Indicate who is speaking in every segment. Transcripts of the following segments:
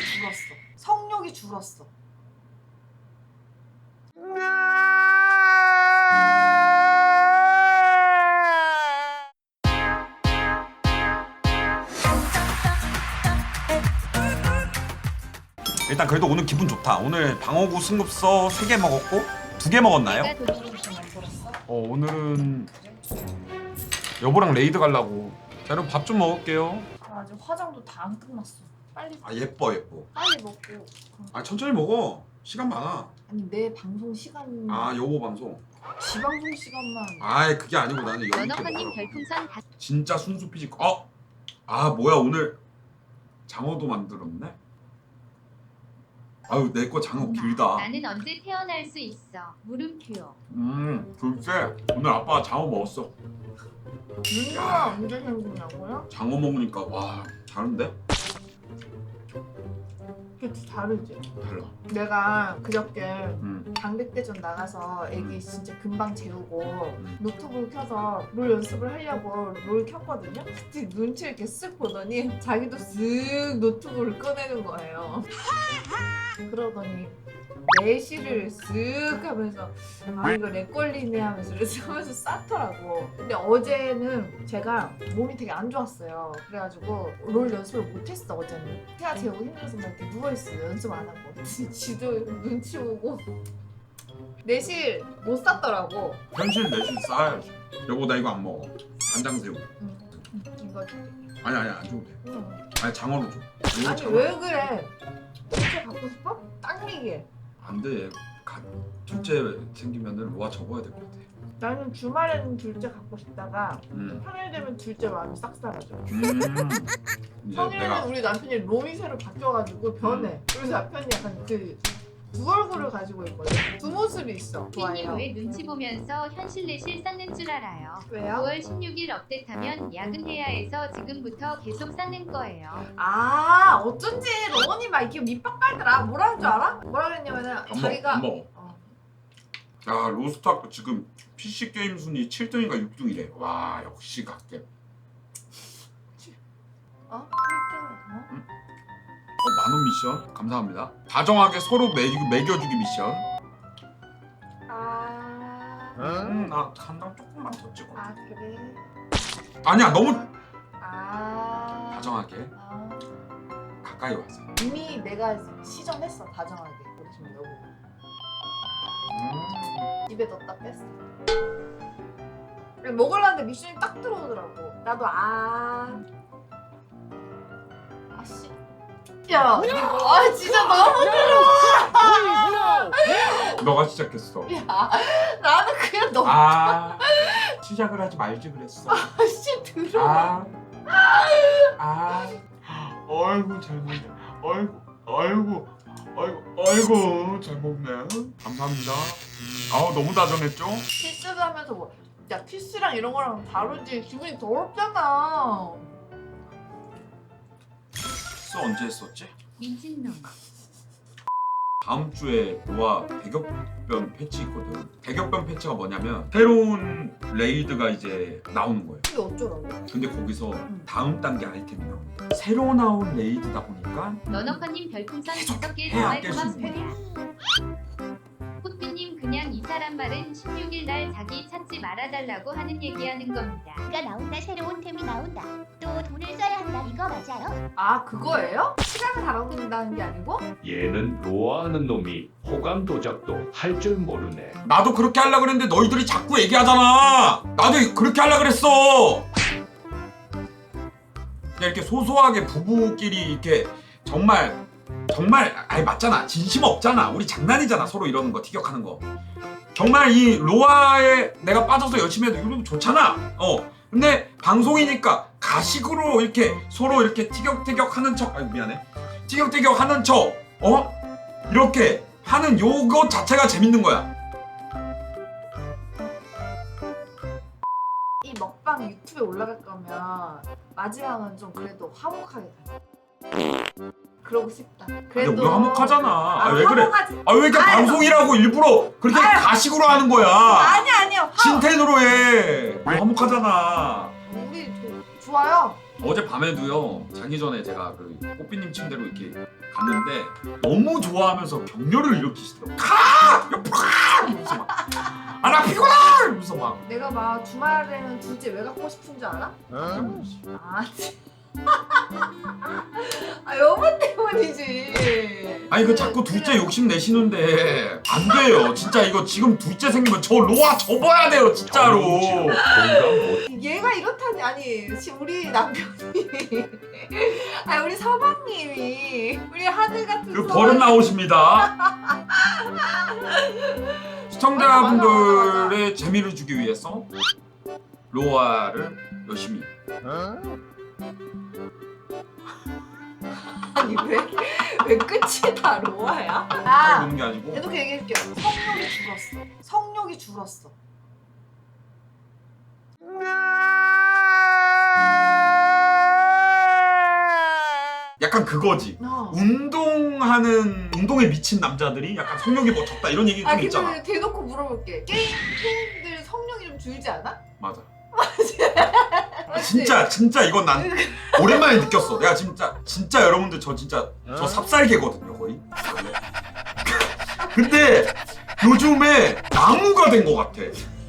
Speaker 1: 줄었어. 성욕이 줄었어.
Speaker 2: 일단 그래도 오늘 기분 좋다. 오늘 방어구 승급서 3개 먹었고 2개 먹었나요?
Speaker 1: 내가 돈으로 좀 만들었어.
Speaker 2: 오늘은 여보랑 레이드 가려고. 자, 여러분 밥 좀 먹을게요.
Speaker 1: 아직 화장도 다 안 끝났어. 빨리
Speaker 2: 예뻐.
Speaker 1: 빨리 먹고.
Speaker 2: 천천히 먹어. 시간 많아.
Speaker 1: 아니 내 방송 시간.
Speaker 2: 여보 방송.
Speaker 1: 지 방송 시간만.
Speaker 2: 그게 아니고 나는 여기
Speaker 3: 연어파님 별풍선 다.
Speaker 2: 진짜 순수 피지컬. 뭐야 오늘 장어도 만들었네? 아유 내 거 장어 길다.
Speaker 3: 나는 언제 태어날 수 있어. 물음표.
Speaker 2: 글쎄 오늘 아빠가 장어 먹었어.
Speaker 1: 누나 언제 생기냐고요?
Speaker 2: 장어 먹으니까 와 다른데?
Speaker 1: 그치 다르지.
Speaker 2: 달라.
Speaker 1: 내가 그저께
Speaker 2: 음.
Speaker 1: 당백대전 나가서 애기 진짜 금방 재우고 노트북 켜서 롤 연습을 하려고 롤 켰거든요. 그때 눈치를 이렇게 쓱 보더니 자기도 쓱 노트북을 꺼내는 거예요. 그러더니 내시를 쓱 하면서 이거 렉 걸리네 하면서 하면서 쌌더라고. 근데 어제는 제가 몸이 되게 안 좋았어요. 그래가지고 롤 연습을 못했어. 어제는 태아 재우고 힘들어서 막 이렇게 누워있어. 연습 안 하고 지도 눈치 보고 내실 못 쌌더라고.
Speaker 2: 현실 내실 쌓아야지. 여보 나 이거 안 먹어. 간장새우.
Speaker 1: 이거 줄게.
Speaker 2: 아니 안 줘도 돼.
Speaker 1: 응.
Speaker 2: 장어로 줘. 이거
Speaker 1: 아니
Speaker 2: 장어.
Speaker 1: 왜 그래? 진짜 갖고 싶어? 당기게.
Speaker 2: 안 돼. 둘째 생기면은 로아 접어야 될 것 같아.
Speaker 1: 나는 주말에는 둘째 갖고 싶다가
Speaker 2: 음.
Speaker 1: 평일 되면 둘째 마음이 싹 사라져.
Speaker 2: 이제
Speaker 1: 평일에는
Speaker 2: 내가
Speaker 1: 우리 남편이 롬이 새로 바뀌어가지고 변해. 그래서 남편이 약간 두 얼굴을 가지고 있거든. 두 모습이 있어.
Speaker 3: 삐님
Speaker 1: 좋아요.
Speaker 3: 왜 눈치 보면서 현실 내실 쌓는 줄 알아요.
Speaker 1: 왜요?
Speaker 3: 9월 16일 업데이트하면 야근해야 해서 지금부터 계속 쌓는 거예요.
Speaker 1: 어쩐지 로건이 막 이렇게 밑밥 깔더라. 뭐라 는 줄 알아? 뭐라 그랬냐면은 자기가
Speaker 2: 안 먹어. 로스트아크 지금 PC 게임 순위 7등인가 6등이래. 와 역시 갓겜.
Speaker 1: 1등
Speaker 2: 만원 미션 감사합니다. 다정하게 서로 매겨주기 미션. 나 간장 조금만 더 찍어.
Speaker 1: 그래.
Speaker 2: 아니야 너무
Speaker 1: 아
Speaker 2: 다정하게 가까이 와서.
Speaker 1: 이미 내가 시전했어. 다정하게. 우리 지금 여보 입에 넣었다 뺐어. 먹으려는데 미션이 딱 들어오더라고. 나도 아씨. 야, 이거 진짜 너무
Speaker 2: 너가 시작했어.
Speaker 1: 야, 나는 그냥 너무
Speaker 2: 시작을 하지 말지 그랬어.
Speaker 1: 씨 들어.
Speaker 2: 어이구 잘 먹네. 어이구 잘 먹네. 감사합니다. 너무 다정했죠?
Speaker 1: 키스를 하면서 뭐, 야 키스랑 이런 거랑 다르지. 기분이 더럽잖아.
Speaker 2: 키스 언제 했었지?
Speaker 3: 민진놈.
Speaker 2: 다음 주에 로아 대격변 패치 있거든. 대격변 패치가 뭐냐면 새로운 레이드가 이제 나오는 거예요.
Speaker 1: 이게 어쩌라고?
Speaker 2: 근데 거기서 다음 단계 아이템이 나옵니다. 새로 나온 레이드다 보니까
Speaker 3: 연어파님 별풍선 5개
Speaker 2: 해야
Speaker 3: 정말
Speaker 2: 깰 수 있는
Speaker 3: 고맙습니다. 꽃비님 그냥 이 사람 말은 16일 날 자기 찾지 말아달라고 하는 얘기하는 겁니다.
Speaker 4: 가 나온다. 새로운 템이 나온다. 또 돈을 써야 한다. 이거 맞아요?
Speaker 1: 그거예요? 시간을 달아놓는다는 게 아니고?
Speaker 5: 얘는 로아하는 놈이 호감 도작도 할 줄 모르네.
Speaker 2: 나도 그렇게 하려고 그랬는데 너희들이 자꾸 얘기하잖아. 나도 그렇게 하려고 그랬어. 그냥 이렇게 소소하게 부부끼리 이렇게 정말 맞잖아. 진심 없잖아. 우리 장난이잖아. 서로 이러는 거 티격하는 거. 정말 이 로아에 내가 빠져서 열심히 해도 이러면 좋잖아. 근데 방송이니까 가식으로 이렇게 서로 이렇게 티격태격 하는 척. 미안해. 티격태격 하는 척. 이렇게 하는 요거 자체가 재밌는 거야.
Speaker 1: 이 먹방 유튜브에 올라갈 거면 마지막은 좀 그래도 화목하게 가자. 그러고 싶다. 그래도
Speaker 2: 우리 화목하잖아. 왜 그래?
Speaker 1: 화목하지.
Speaker 2: 왜 이렇게 방송이라고 일부러 그렇게 가식으로 하는 거야?
Speaker 1: 아니야.
Speaker 2: 신텐으로 해. 화목하잖아.
Speaker 1: 우리 좋아요.
Speaker 2: 어제 밤에도요. 자기 전에 제가 그 꽃비님 침대로 이렇게 갔는데 너무 좋아하면서 격려를 일으키시더라고. 가! 이러면서 막 아 나 피곤해! 이러면서 막
Speaker 1: 내가 막 주말에는 둘째 왜 갖고 싶은 줄 알아? 아, 아 여보 때문이지.
Speaker 2: 아니 그 자꾸 둘째 욕심 내시는데 안 돼요. 진짜 이거 지금 둘째 생기면 저 로아 접어야 돼요 진짜로.
Speaker 5: 정치로 공감 못.
Speaker 1: 얘가 이렇다니 아니 우리 남편이 아니 우리 서방님이 우리 하늘 같은
Speaker 2: 그
Speaker 1: 서방-
Speaker 2: 버릇 나오십니다. 시청자분들의 재미를 주기 위해서 로아를 열심히.
Speaker 1: 아니 왜 끝이 다 로아야?
Speaker 2: 잘
Speaker 1: 아
Speaker 2: 보는 게 아니고
Speaker 1: 이렇게 얘기해줄게요. 성욕이 줄었어. 성욕이 줄었어.
Speaker 2: 약간 그거지. 운동에 미친 남자들이 약간 성욕이 뭐 적다 이런 얘기 좀
Speaker 1: 아
Speaker 2: 있잖아.
Speaker 1: 근데 대놓고 물어볼게. 게임 팬들 성욕이 좀 줄지 않아?
Speaker 2: 맞아.
Speaker 1: 맞지?
Speaker 2: 진짜 이건 난 오랜만에 느꼈어. 내가 진짜 여러분들 저 진짜 저 삽살개거든요 거의. 원래. 근데 요즘에 나무가 된 것 같아.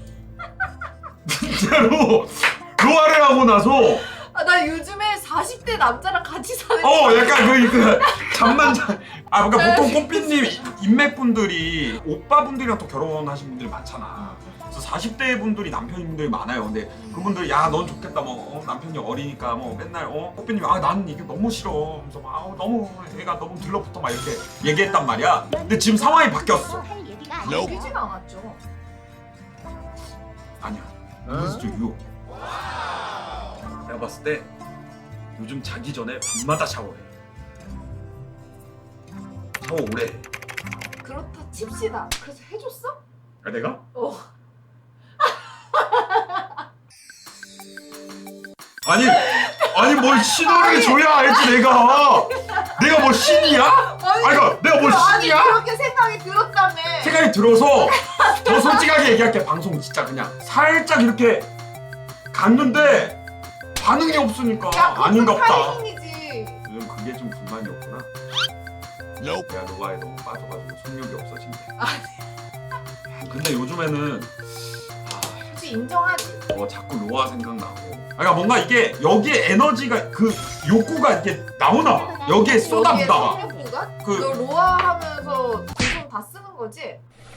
Speaker 2: 진짜로 로아를 하고 나서
Speaker 1: 아, 나 요즘에 40대 남자랑 같이 사는
Speaker 2: 약간 그 잠만 자. 아 그러니까 보통 꽃빛님 인맥분들이 오빠분들이랑 또 결혼하신 분들이 많잖아. 그래서 40대 분들이 남편분들이 많아요. 근데 그분들이 야 넌 좋겠다 뭐 남편이 어리니까 뭐 맨날 꽃빛님이 아 나는 이게 너무 싫어. 그래서 막 너무 얘가 너무 들러붙어 막 이렇게 얘기했단 말이야. 근데 지금 상황이 바뀌었어.
Speaker 4: 할 얘기가
Speaker 1: 얘기진 않았죠.
Speaker 2: 아니야. 이거 진짜 유혹. 내가 봤을 때 요즘 자기 전에 밤마다 샤워해. 샤워 오래 해.
Speaker 1: 그렇다 칩시다. 그래서 해줬어?
Speaker 2: 아, 내가? 아니 뭘 신호를 줘야 알지 내가 뭐 신이야? 아니 그러니까 내가 뭘
Speaker 1: 아니
Speaker 2: 신이야?
Speaker 1: 그렇게 생각이 들었다며.
Speaker 2: 생각이 들어서 더 솔직하게 얘기할게. 방송 진짜 그냥 살짝 이렇게 갔는데 반응이 없으니까
Speaker 1: 야,
Speaker 2: 아닌갑다.
Speaker 1: 타이밍이지.
Speaker 2: 요즘 그게 좀 불만이었구나. 내가 로아에 너무 빠져가지고 성욕이 없어진 게. 근데 요즘에는
Speaker 1: 솔직히 인정하지.
Speaker 2: 자꾸 로아 생각나고. 그러니까 뭔가 이게 여기에 에너지가 그 욕구가 이게 나오나 봐. 여기에
Speaker 1: 여기에
Speaker 2: 쏟아부다가.
Speaker 1: 성욕구가?
Speaker 2: 그-
Speaker 1: 너 로아 하면서 두손 다 쓰는 거지?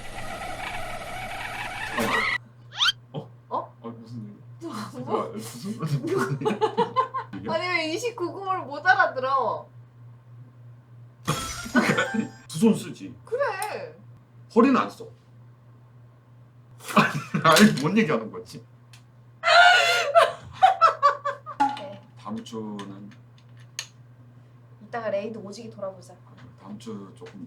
Speaker 2: 무슨
Speaker 1: 뭐?
Speaker 2: 무슨
Speaker 1: 아니 왜 29금을 못 알아들어?
Speaker 2: 두 손 쓰지.
Speaker 1: 그래.
Speaker 2: 허리는 안 써. 아니 뭔 얘기하는 거지?
Speaker 1: 네.
Speaker 2: 다음 주는
Speaker 1: 이따가 레이드 오지게 돌아보자.
Speaker 2: 다음 주 조금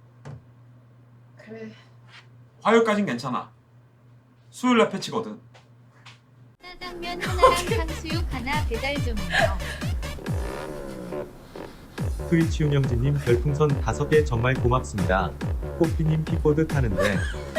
Speaker 1: 그래.
Speaker 2: 화요일까진 괜찮아. 수요일날 패치거든.
Speaker 3: 짜장면 하나랑 탕수육 하나 배달 좀요.
Speaker 6: 트위치 운영진님 별풍선 5개 정말 고맙습니다. 꽃피님 킥보드 타는데